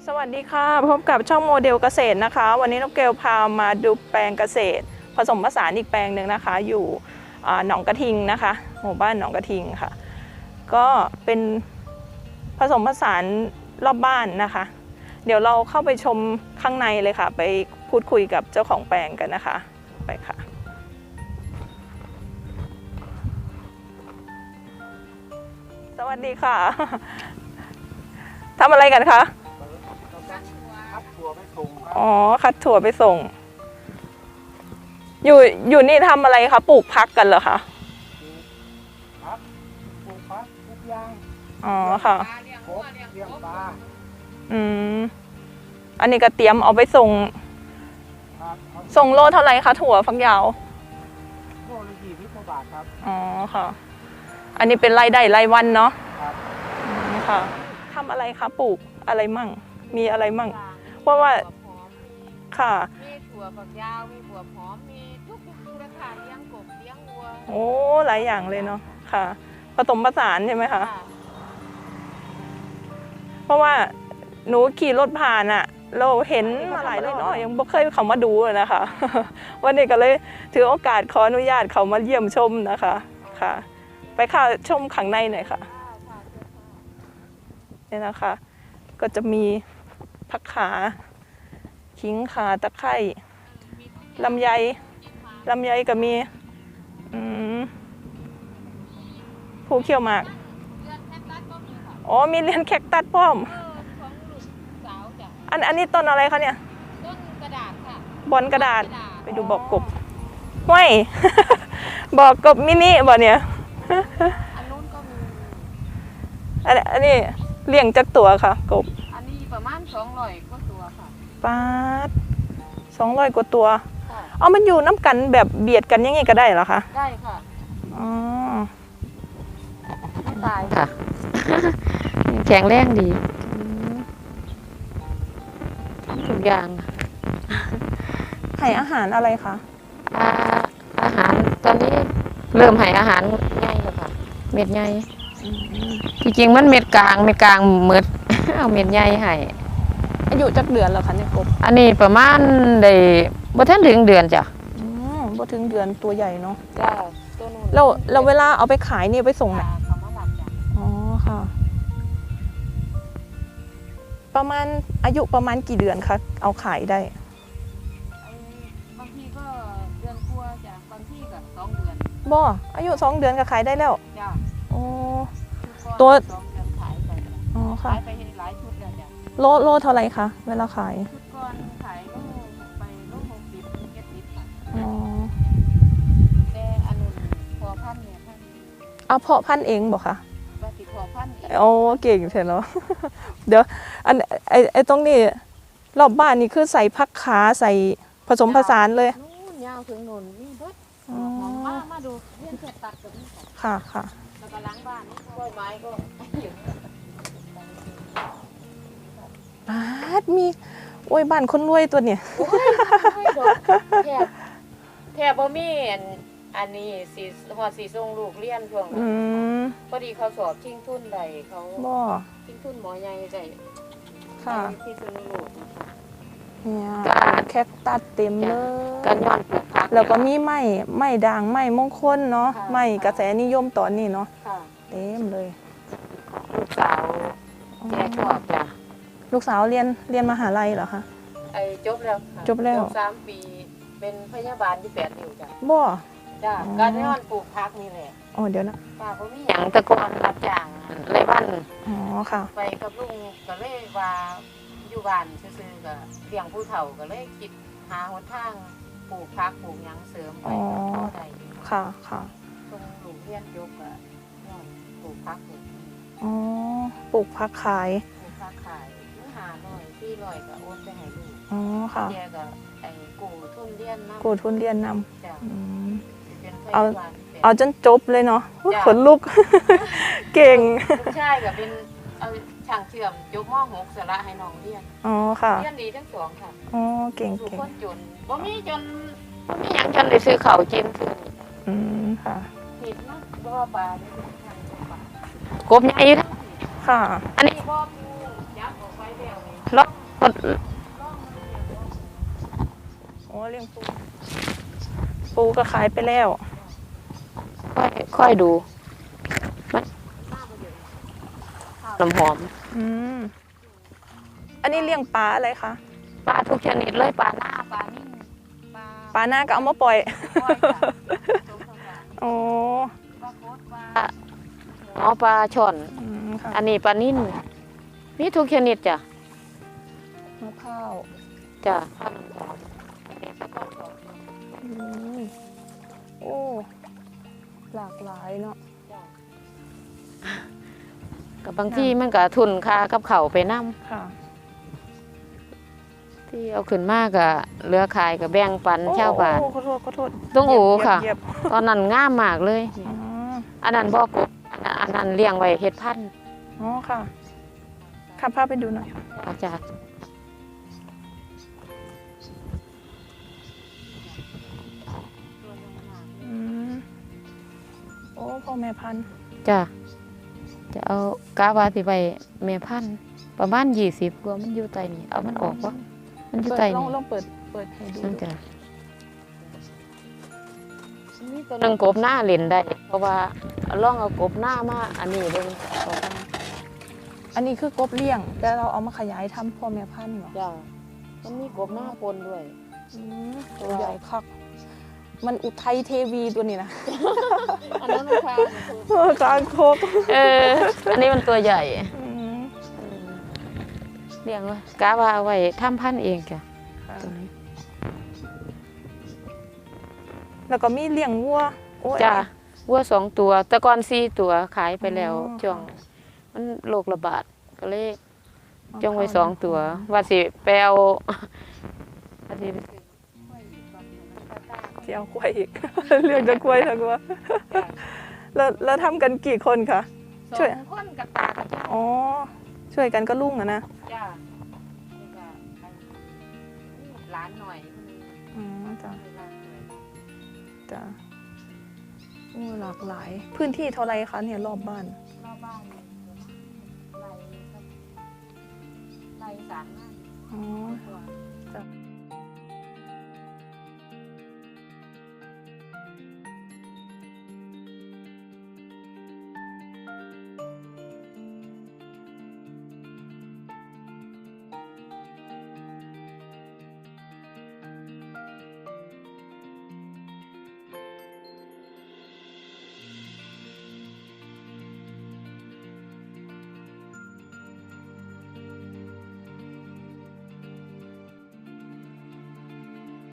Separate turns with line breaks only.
สวัสดีค่ะพบกับช่องโมเดลเกษตรนะคะวันนี้น้องเกลพามาดูแปลงเกษตรผสมผสานอีกแปลงหนึ่งนะคะอยู่หนองกระทิงนะคะหมู่บ้านหนองกระทิงค่ะก็เป็นผสมผสานรอบบ้านนะคะเดี๋ยวเราเข้าไปชมข้างในเลยค่ะไปพูดคุยกับเจ้าของแปลงกันนะคะไปค่ะสวัสดีค่ะทำอะไรกันคะ
คัดถั่วไปส่งครับ
อ๋อคัดถั่วไปส่งอยู่นี่ทำอะไรคะปลูกพักกันเหรอคะ
ครับปลูกพักทุกอย่าง
อ๋อค่ะ
ครบเลี้ยงปลา
อืมอันนี้ก็เตรียมเอาไปส่ง
ครับเอา
ส่งโลเท่าไหร่คะถั่วฝักยาว
โลละ20 กว่าบาทครับ
อ๋อค่ะ อันนี้เป็นรายได้รายวันเนาะ
ครับ
อืมค่ะทำอะไรคะปลูกอะไรมั่งมีอะไรมั่งเพราะว่าค่ะ
มีถั่วฝักยาว มีถั่วหอม มีทุกอย่างเลยค่ะเลี้ยงกบเลี้ยงวัว
โอ้หลายอย่างเลยเนาะค่ะผสมผสานใช่ไหมคะ
ค่ะ
เพราะว่าหนูขี่รถผ่านอะเราเห็นมาหลายเลยเนาะยังบ่เคยเขามาดูเลยนะคะ วันนี้ก็เลยถือโอกาสขออนุญาตเขามาเยี่ยมชมนะคะค่ะ ไปค่ะชมข้างในหน่อยค่ะนี่นะคะ ก็จะมีผักขาขิงขาตะไคร้ลำไยก็มีอืมผู้เขี้ยวหมาก
เลือดแคคตัสก็มีค่ะ
อ๋อมีเรียนแคคตัสพร้อม
ของลูกสาวจ้ะ
อันนี้ต้นอะไรคะเนี่ย
ต้นกระดาษค่ะ
บอนกระดาษไปดูบอกกบห้วย บอกกบมินิบ่เนี่ย
อันนู้นก็มี
อันนี้เลี้ยงจักตัวค่ะกบ
อันนี้ประมาณ200กว่าตัวค่ะ
ปาด200 กว่าตัว
ค่ะ
เอามันอยู่น้ำกันแบบเบียดกันอยังไงก็ได้เหรอคะ
ได้ค่ะ
อ๋อ
ไม่ตายค่ะ แข็งแรงดีทุกอย่าง
ให้อาหารอะไรคะ
อาหารตอนนี้เริ่มให้อาหารง่ายแล้วค่ะ เม็ดใหญ่ที่จริงมันเม็ดกลางเม็ด เอาเม็ดใหญ่ให้
อายุจักเดือนแล้วคะเนี่ยกบ
อันนี้ประมาณได้บ่ทันถึงเดือนจ้ะ
บ่ถึงเดือนตัวใหญ่เนาะ
จ้าตัวนู้น
เราเวลาเอาไปขายนี่ไปส่งไหน
เขามาหลับจ้ะ
อ๋อค่ะ ประมาณอายุประมาณกี่เดือนคะเอาขายได้
บางทีก็เดือนกว่าจ้ะบางทีก็2 เดือน
บ่อายุ2 เดือนก็ขายได้แล้ว
จ้ะ
โอ้
ชุด
ตัว
ก่อน2 เดือนขายไปจ้ะ
อ๋อค่ะ
ขายไปหลายชุดแล้วจ้ะ
โลเท่าไหร่คะเวลาขาย
ชุดก่อนขายก็ไปโล60 70ค่ะ
อ๋อ
แต่อันนู้นพอพันเนี่ยพัน
เอาเพาะพันธุ์เองบอกคะ
ปฏิพอพันเอง
โอ้เก่งเถอะเนาะ เดี๋ยวไอตรงนี้รอบบ้านนี่คือใส่ผักขาใส่ผสมผสานเลย
นู่นยาวถึงนู่นมีเบิด
อ๋อ
หอมมาดูเลี้ยงเสร็จตัดกับนี่ค่ะ
ค่ะค่ะ
แล้วก็ล้างบ้านนี่กล้วยไม้ก็อยู่
บาดมีโอ้ยบ้านคนรวยตัวเนี่ย
โอ้ยแทบบ่มีอันนี้สีหอดสีส่งลูกเรียนช่วง
อืม
พอดีเขาสอบชิงทุนใดเขา
บ่
ชิงทุนหมอใหญ่ได้
ค่ะ
ที่สุนลูก
เนี่ยแคคตัสเต็มเลย
กันย้อนปลูกผัก
แล้วก็มีไม้ด่างไม้มงคลเนาะ
ค่ะ
ไม้กระแสนิยมตอนนี้เนาะ
ค่ะ
เต็มเลย
ลูกสาวแกชอบจ้ะ
ลูกสาวเรียนมหาลัยเหรอคะ
ไอ้จบแล้วค่ะ
จบแล้ว
3 ปีเป็นพยาบาลที่8นิ้วจ้ะ
บ่
จ้ะ
อ๋อ
การย้อนปลูกผักนี่แหละ
อ๋อเดี๋ยวนะ
ป้าบ่มีหยังแตะกอนรับจ้างไรบ้าน
อ๋อค่ะ
ไปกับลุงก็เลยว่าอยู่บ้านซื่อๆก็เลี้ยงผู้เฒ่าก็เลยคิดหาหนทางปลูกผักปลูกหยังเสริมไป
อ๋อ
ก็พอได้
ค่ะค่ะ
ตรงลูกเรียนจบก็ย้อนปลูกผักปลูก
อ๋อปลูกผักขาย
ผักขายมื้อ500 400ก็โอนไปให้ลูก
อ๋อค่ะ
แกก็ไอ้กู้ทุนเรียนนำ
กูทุนเรียนน
จ้ะ
ำอืม
เป็นพ
เอา
ยาบาลเป็น
เอาจนจบเลยเนาะอุ๊ย
จ้ะ
ขนลุก เก่ง
ลูกชายก็เป็นเอาช่างเชื่อมจบม .6 สละให้น้องเรียน
อ๋อค่ะ
เรียนดีทั้งสองค่ะ
อ๋อเก่ง
ทุก
เก่ง
คนจนบ่มีจนบ่มีหยังจนได้ซื้อข้าวกินซื้อ
อืมค่ะ
ผิดนะบ่ว่าปลาได้ทางปลากบใหญ่นะ
ค่ะ
อันนี้บ่ปูยักษ์ออกไปแล้วนี่ลอง
โอ้เลี้ยงปูปูก็ขายไปแล้ว
ค่อยดูมันน้ำหอม
อืมอันนี้เลี้ยงปลาอะไรคะ
ปลาทุกชนิดเลยปลาหน้าปลานิ่มปลา
ปลาหน้าก็เอามาปล่อย
ก้อยจ้ะ
โอ้
ปลาโคตรปลาอ๋อปลาช่อน
อืมค่ะ
อันนี้ปลานิ่มมีทุกชนิดจ้ะ
มะพร้าว
จ้ะ
อืมโอ้หลากหลายเนาะ
กับบางที่มันก็ทุนค่ากับเขาวไปนํ
ค่ะ
ที่เอาขึ้นมากก็เหลือขายกับแบ่งปันชาวบ้าน
โอ้ขอโทษขอโทษ
ต้องอูค่ะ
เหยียบ
ตอนนั้นงามมากเลย
อ๋อ
อันนั้นบ่กบอันนั้นเลี้ยงไว้เฮ็ดพันธุ์
อ๋อค่ะขับพาไปดูหน่อย
อาจารย์
อืมโอ้พ่อแม่พันธุ์
จ้ะจะเอากาว่าสิไปแม่พันธุ์ประมาณ20กว่ามันอยู่ใต้นี่เอามันออกบ่มันอยู่
เปิด
ใต้
ลอ
นี่
งเปิดให้ดู
นั่นจ้ะมีตัวหนึงกบหน้าเล่นได้ เพราะว่าลองเอากบหน้ามาอันนี้เบิ่งต่อไป
อันนี้คือกบเลี้ยง แต่เราเอามาขยายทำพ่อแม่พันธุ์เหรอ
จ้ะมันมีกบหน้าปนด้วย
อืมตัวใหญ่คักมันอุทัยเทวีตัวนี้นะ
อันนั้นมันค่ะ
กลางโคก
อันนี้มันตัวใหญ่
อืม
เลี้ยงไว้กะว่าเอาไว้ทำพันธุ์เองจ้ะ
ค่ะ
ตัวนี้
แล้วก็มีเลี้ยงวัวโอ้ย
จ้ะวัว2 ตัว แต่ก่อน4 ตัวขายไปแล้ว
อ๋อ
ช่วงมันโรคระบาดก็เลย
เอา
จงไว้
เข้า
2 ตัว ว่าสิไปเอาว่าสิ
ที่เอากล้วยอีก เลี้ยงจะกล้วยทั้งวัวแล้วทำกันกี่คนคะ ช่วย
2 คนกับตากับยาย
อ๋อช่วยกันก็ลุ่งอะนะ
จ้ะนี่ก็หลานหน่อย
อ๋อจ้ะ
หลานหน่อย
จ้ะโอ้หลากหลาย พื้นที่เท่าไรคะเนี่ยรอบบ้าน
รอบบ้านเนี่ยไร่3 งาน
อ๋อ
กว่า